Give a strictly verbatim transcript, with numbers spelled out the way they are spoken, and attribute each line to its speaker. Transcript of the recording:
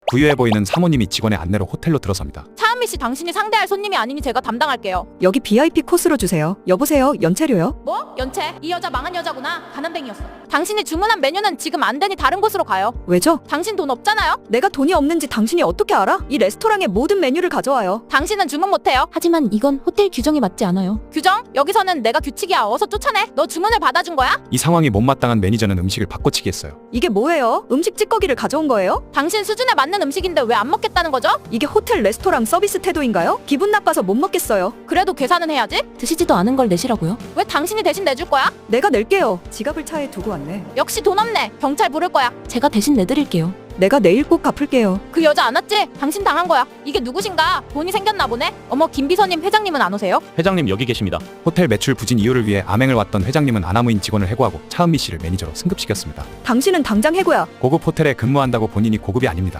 Speaker 1: 부유해 보이는 사모님이 직원의 안내로 호텔로 들어섭니다.
Speaker 2: 차은미 씨, 당신이 상대할 손님이 아니니 제가 담당할게요.
Speaker 3: 여기 비아이피 코스로 주세요. 여보세요, 연체료요?
Speaker 2: 뭐? 연체? 이 여자 망한 여자구나. 가난뱅이였어. 당신이 주문한 메뉴는 지금 안 되니 다른 곳으로 가요.
Speaker 3: 왜죠?
Speaker 2: 당신 돈 없잖아요.
Speaker 3: 내가 돈이 없는지 당신이 어떻게 알아? 이 레스토랑의 모든 메뉴를 가져와요.
Speaker 2: 당신은 주문 못해요.
Speaker 4: 하지만 이건 호텔 규정에 맞지 않아요.
Speaker 2: 규정? 여기서는 내가 규칙이야. 어서 쫓아내. 너 주문을 받아준 거야?
Speaker 1: 이 상황이 못마땅한 매니저는 음식을 바꿔치기 했어요.
Speaker 3: 이게 뭐예요? 음식 찌꺼기를 가져온 거예요?
Speaker 2: 당신 수준에 맞는 음식인데 왜 안 먹겠다는 거죠?
Speaker 3: 이게 호텔 레스토랑 서비스 태도인가요? 기분 나빠서 못 먹겠어요.
Speaker 2: 그래도 계산은 해야지.
Speaker 4: 드시지도 않은 걸 내시라고요?
Speaker 2: 왜 당신이 대신 내줄 거야?
Speaker 3: 내가 낼게요. 지갑을 차에 두고 왔네.
Speaker 2: 역시 돈 없네. 경찰 부를 거야.
Speaker 4: 제가 대신 내드릴게요.
Speaker 3: 내가 내일 꼭 갚을게요.
Speaker 2: 그 여자 안 왔지? 당신 당한 거야. 이게 누구신가? 돈이 생겼나 보네. 어머, 김비서님, 회장님은 안 오세요?
Speaker 5: 회장님 여기 계십니다.
Speaker 1: 호텔 매출 부진 이유를 위해 암행을 왔던 회장님은 아나무인 직원을 해고하고 차은미 씨를 매니저로 승급시켰습니다.
Speaker 3: 당신은 당장 해고야.
Speaker 1: 고급 호텔에 근무한다고 본인이 고급이 아닙니다.